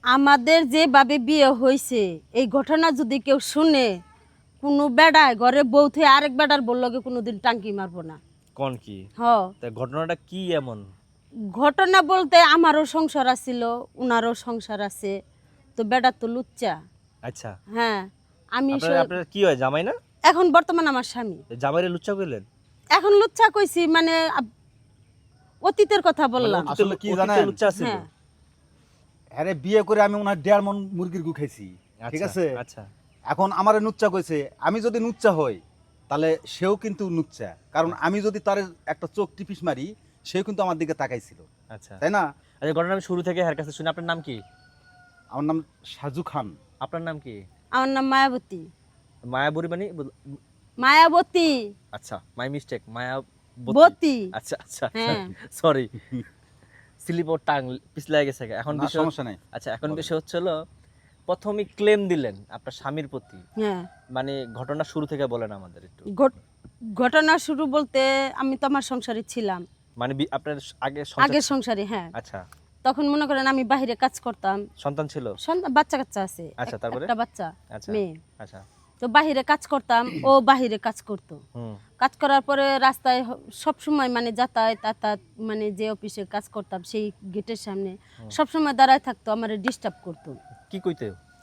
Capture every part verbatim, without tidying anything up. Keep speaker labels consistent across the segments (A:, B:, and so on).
A: আমাদের যেভাবে বিয়ে হয়েছে এই ঘটনা যদি কেউ শুনে কোনো বেড়ায় ঘরে বউ থেকে আরেক বেড়ার বললকে কোনোদিন টাঙ্কি মারবো না।
B: কোন কি
A: হ
B: তা ঘটনাটা কি এমন?
A: ঘটনা বলতে আমারও সংসার আছিল, উনারও সংসার আছে, তো বেড়া তো লুচ্চা।
B: আচ্ছা,
A: হ্যাঁ আমি
B: আপনার
A: স-
B: আপনার কি হয়, জামাই না?
A: এখন বর্তমান আমার স্বামী।
B: জামাইরে লুচ্চা কইলেন?
A: এখন লুচ্চা কইছি মানে আব- অতীতের কথা
B: মানে
A: বললাম।
B: অতীতে-
C: আসলে কি
B: অতীতে
C: জানেন?
B: লুচ্চা ছিল।
A: হ্যাঁ
C: আরে বিয়ে করে আমি ওনার দেড় মন মুরগির গু খাইছি, ঠিক
B: আচ্ছা,
C: আছে?
B: আচ্ছা
C: এখন আমারে নুচ্চা কইছে, আমি যদি নুচ্চা হই তাহলে সেও কিন্তু নুচ্চা, কারণ আমি যদি তার একটা চোখ টিপিস মারি সেও কিন্তু আমার দিকে তাকাইছিল,
B: আচ্ছা
C: তাই না?
B: আচ্ছা, ঘটনা আমি শুরু থেকে এর কাছে শুনি। আপনার নাম কি?
C: আমার নাম সাজু খান।
B: আপনার নাম কি?
A: আমার নাম মায়াবতী।
B: মায়াবুরি মানে বুঝ-
A: মায়াবতী
B: আচ্ছা, মাই মিস্টেক, মায়া
A: বতী।
B: আচ্ছা আচ্ছা
A: হ্যাঁ
B: সরি, স্লিপ ওর টাং পিছলা গেছে। এখন
C: না,
B: বিষয়,
C: সমস্যা নাই।
B: আচ্ছা এখন
C: বলেন।
B: বিষয় হচ্ছে হলো প্রথমে ক্লেম দিলেন আপনার স্বামীর প্রতি,
A: হ্যাঁ
B: মানে ঘটনা শুরু থেকে বলেন আমাদের একটু।
A: ঘট- ঘটনা শুরু বলতে আমি তো আমার সংসারে ছিলাম,
B: মানে বি- আপনার আগে সংসার-
A: আগের সংসারে। হ্যাঁ
B: আচ্ছা,
A: তখন মনে করেন আমি বাইরে কাজ করতাম,
B: সন্তান ছিল?
A: সন্তান বাচ্চা কাচ্চা আছে,
B: আচ্ছা,
A: এক-
B: তারপরে?
A: একটা বাচ্চা
B: আচ্ছা
A: মেয়ে।
B: আচ্ছা
A: তো বাহিরে কাজ করতাম, ও বাহিরে কাজ করতো।
B: হুম
A: কাজ করার পরে রাস্তায় সব সময় মানে যাতায়াত যাতায়াত মানে যে অফিসে কাজ করতাম সেই গেটের সামনে সব সময় দাঁড়ায় থাকতো, আমার ডিস্টার্ব করতো।
B: কি কইতে?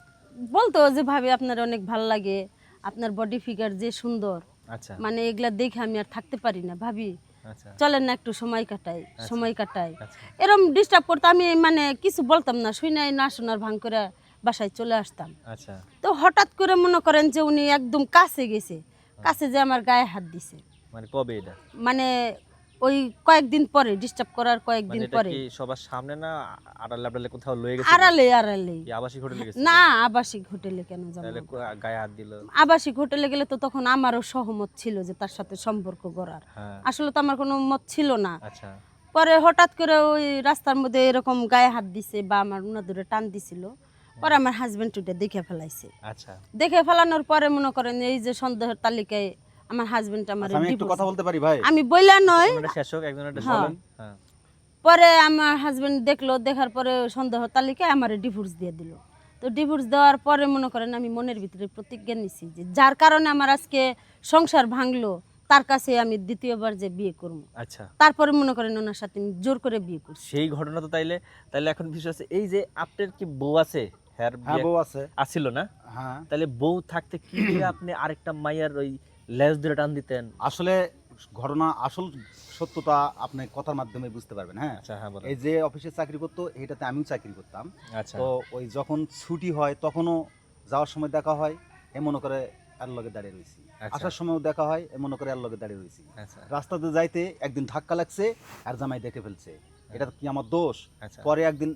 A: বলতো যে ভাবি আপনার অনেক ভাল লাগে, আপনার বডি ফিগার যে সুন্দর,
B: আচ্ছা
A: মানে এগুলা দেখে আমি আর থাকতে পারি না, ভাবি
B: আচ্ছা
A: চলেন না একটু সময় কাটাই সময় কাটাই
B: আচ্ছা
A: এরম ডিস্টার্ব করতো। আমি মানে কিছু বলতাম না, শুই নাই না শোনার ভাঙ করে বাসায় চলে আসতাম।
B: আচ্ছা
A: তো হঠাৎ করে মনে করেন যে উনি একদম কাছে গেছে, কাছে যে আমার গায়ে হাত দিছে,
B: মানে কবে এটা?
A: মানে ওই কয়েকদিন পরে, ডিস্টার্ব করার
B: মানে
A: কয়েকদিন
B: এটা
A: পরে।
B: কি সবার সামনে না আড়ালে আড়ালে কোথাও লয়ে গেছে?
A: আড়ালে আড়ালে
B: কি আবাসিক হোটেলে গেছে?
A: না, আবাসিক হোটেলে কেন যাবো?
B: তাহলে কো- গায়ে হাত দিল?
A: আবাসিক হোটেলে গেলে তো তখন আমারও সহমত ছিল যে তার সাথে সম্পর্ক গড়ার,
B: হ্যাঁ
A: আসলে তো আমার কোনো মত ছিল না।
B: আচ্ছা
A: পরে হঠাৎ করে ওই রাস্তার মধ্যে এরকম গায়ে হাত দিছে বা আমার উনা ধরে টান দিছিল, পরে আমার হাজবেন্ড ওটা দেখে ফেলাইছে।
B: আচ্ছা
A: দেখে ফেলানোর পরে মনে করেন এই যে সন্দেহের তালিকায় আমার হাজবেন্ড আমার
C: আচ্ছা, আমি একটু কথা বলতে পারি ভাই?
A: আমি বইলা নয়।
B: একজনের শেষ হোক, একজনের
A: হ্যাঁ।
B: বলেন। হ্যাঁ
A: পরে আমার হাজবেন্ড দেখলো, দেখার পরে সন্দেহ তালিকায় আমার ডিভোর্স দিয়ে দিল। তো ডিভোর্স দেওয়ার পরে মনে করেন আমি মনের ভিতরে প্রতিজ্ঞা নিছি যে যার কারণে আমার আজকে সংসার ভাঙলো তার কাছে আমি দ্বিতীয়বার যে বিয়ে করবো।
B: আচ্ছা,
A: তারপরে মনে করেন ওনার সাথে আমি জোর করে বিয়ে করছি।
B: সেই ঘটনা তো তাইলে তাইলে এখন বিষয় আছে এই যে আপনার কি বউ আছে? হ্যাঁ
C: হ্যাঁ, বউ আছে।
B: আছিল না?
C: হ্যাঁ,
B: তাহলে বউ থাকতে কি দিয়ে আপনি আরেকটা মাইয়ার ওই লেজ ধরে টান দিতেন?
C: আসলে ঘটনা আসল সত্যতা আপনি কথার মাধ্যমে বুঝতে পারবেন। হ্যাঁ,
B: আচ্ছা হ্যাঁ বলেন।
C: এই যে অফিসে চাকরি করতো এটাতে আমিও চাকরি করতাম।
B: আচ্ছা
C: তো ওই যখন ছুটি হয় তখনও যাওয়ার সময় দেখা হয়, এ মনে করে এর লগে দাঁড়িয়ে রয়েছি,
B: আচ্ছা।
C: আসার সময়ও দেখা হয়, এ মনে করে এর লগে দাঁড়িয়ে রয়েছি।
B: আচ্ছা
C: রাস্তাতে যাইতে একদিন ধাক্কা লাগছে আর জামাই দেখে ফেলছে, এটা কি আমার দোষ?
B: আচ্ছা
C: পরে একদিন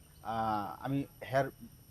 C: আহ, আমি হ্যার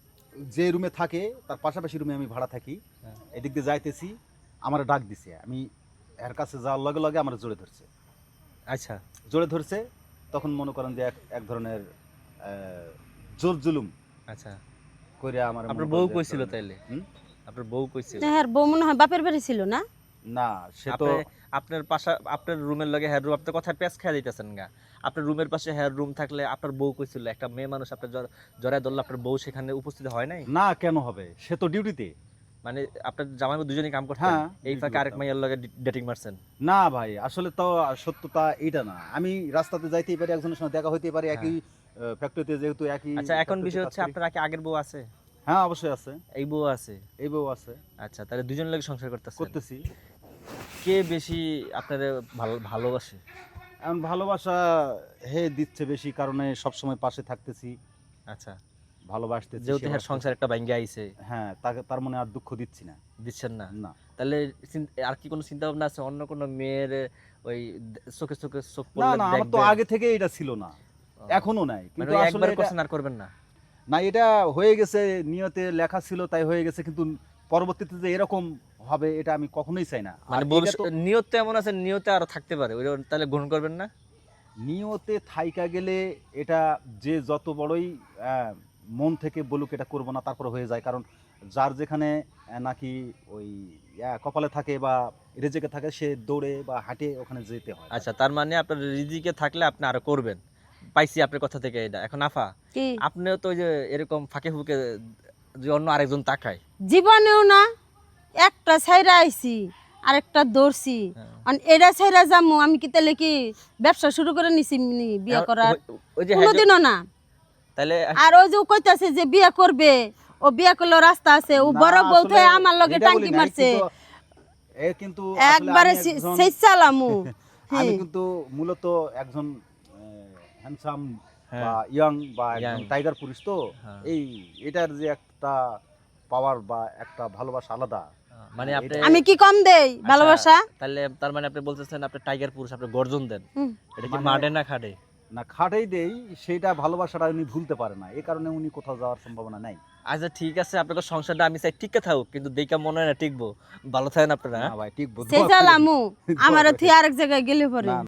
C: যে রুমে থাকে তার পাশাপাশি রুমে আমি ভাড়া থাকি,
B: হ্যাঁ।
C: এদিক দিয়ে যাইতেছি, আমার ডাক দিছে, আমি এর কাছে যাওয়ার লগে লগে আমার জোরে ধরছে,
B: আচ্ছা
C: জোরে ধরছে তখন মনে করেন যে এক এক ধরনের আহ, জোর জুলুম
B: আচ্ছা
C: করে আমার
B: আপনার
C: মনে
B: বউ
C: করেন যে এক
B: কইছিল
C: ধরনের-
B: তাইলে?
C: হুম?
B: আপনার বউ কইছিল?
A: হ্যাঁ বউ মনে হয় বাপের বাড়ি ছিল না?
C: না, সে তো
B: আপনি আপনার পাশা আপনার রুমের লগে হেয়ার রুম, আপনার কথা পেঁচ খেয়ে দিতেছেন গা। আপনার রুমের পাশে হেয়ার রুম থাকলে আপনার বউ কইছিল, একটা মেয়ে মানুষ আপনার জ্বর- জড়ায় ধরলে আপনার বউ সেখানে উপস্থিত হয় নাই?
C: না, কেন হবে? সে তো ডিউটিতে।
B: মানে আপনার জামাই দুজনেই কাম করতেন,
C: হ্যাঁ,
B: এই
C: duty
B: ফাঁকে আরেক
C: করতাম।
B: মাইয়ার লগে ডেটিং মারছেন?
C: না ভাই, আসলে তো সত্যতা এটা না। আমি রাস্তাতে যাইতেই পারি, একজনের সঙ্গে দেখা হইতে পারে, একই ফ্যাক্টরিতে, যেহেতু একই।
B: আচ্ছা এখন
C: factory-তে
B: বিষয়
C: কাজ
B: হচ্ছে
C: করি।
B: আপনার কি আগের বউ আছে?
C: হ্যাঁ, অবশ্যই আছে,
B: এই বউ আছে?
C: এই বউ আছে,
B: আচ্ছা তাহলে দুজন লগে সংসার করতেছেন।
C: করতেছি।
B: কে বেশি আপনার ভালো ভালোবাসে?
C: এখন ভালোবাসা হে দিচ্ছে বেশি, কারণে সবসময় পাশে থাকতেছি,
B: আচ্ছা
C: ভালোবাসতেছি।
B: যেহেতু
C: সেবা
B: হ্যাঁ সংসার একটা ভাঙ্গে আইছে,
C: হ্যাঁ, তাকে তার মনে আর দুঃখ দিচ্ছি না।
B: দিচ্ছেন না?
C: না,
B: তাহলে চিন- আর কি কোনো চিন্তা ভাবনা আছে অন্য কোনো মেয়ের ওই দে- চোখে চোখে চোখ
C: না,
B: পড়লে
C: না, আমার তো
B: দেখবেন?
C: আগে থেকে এটা ছিল না,
B: ও,
C: এখনো নাই,
B: মানে
C: কিন্তু
B: ওই
C: আসলে
B: একবার
C: এটা-
B: করছেন আর করবেন না?
C: না, এটা হয়ে গেছে, নিয়তে লেখা ছিল তাই হয়ে গেছে, কিন্তু পরবর্তীতে যে এরকম হবে এটা আমি কখনোই চাই না। আর
B: মানে
C: এটা
B: ভবিষ্যৎ
C: তো
B: নিয়ত তো এমন আছে, নিয়তে আরো থাকতে পারে, ওই তাহলে গ্রহণ করবেন না?
C: নিয়তে থাইকা গেলে এটা যে যত বড়ই আহ, মন থেকে বলুক এটা করবো না, তারপর হয়ে যায়। কারণ যার যেখানে আহ, নাকি ওই আহ, কপালে থাকে বা রেজেকে থাকে, সে দৌড়ে বা হাঁটে ওখানে যেতে হয়।
B: আচ্ছা তার মানে আপনার রিজিকে থাকলে আপনি আরো করবেন, পাইছি আপনার কথা থেকে এটা। এখন আফা
A: কি
B: আপনিও তো ওই যে এরকম ফাঁকে ফুকে যে অন্য আরেকজন তাকায়,
A: জীবনেও না একটা ছাইরা আইছি আরেকটা দৌড়ছি
B: হ্যাঁ।
A: আর এটা ছাইরা যামু আমি কি তাহলে কি ব্যবসা শুরু করে নিছি নি বিয়ে করার
B: ওই- ওই যে হ্যাঁ যে-
A: কোনোদিনও না।
B: তাহলে
A: আর ওই যে ও কইতাছে যে বিয়ে করবে, ও বিয়ে করলে রাস্তা আছে, ও
C: না,
A: বড় বউ
C: আসলে
A: থেকে আমার লগে
C: এটা
A: টাঙ্কি
C: বলি নাই,
A: মারছে
C: কিন্তু- এ কিন্তু আসলে
A: একবারে
C: আমি একজন-
A: সেই চালামু
C: আমি কিন্তু মূলত একজন হ্যান্ডসাম
B: হ্যাঁ।
C: বা ইয়াং বা একজন
B: Young।
C: টাইগার পুরুষ তো
B: হ্যাঁ।
C: এই এটার যে একটা পাওয়ার বা একটা ভালোবাসা আলাদা।
B: মানে আপনি
A: আমি কি কম দেই ভালোবাসা?
B: তাহলে তার মানে আপনি বলতেছেন আপনি টাইগার পুরুষ, আপনি গর্জন দেন,
A: হুম।
B: এটা কি
C: মানে-
B: মাঠে না খাটে?
C: না খাটেই দেই, সেটা ভালোবাসাটা উনি ভুলতে পারে না, এই কারণে উনি কোথাও যাওয়ার সম্ভাবনা নাই।
B: আচ্ছা ঠিক আছে, আপনাদের সংসারটা আমি চাই টিকে থাকুক, কিন্তু দেখা মনে হয় না টিকবো। ভালো থাকেন আপনারা।
C: না ভাই ঠিক
A: সেই চালামু আমার থি আরেক জায়গায় গেলে পরে
C: না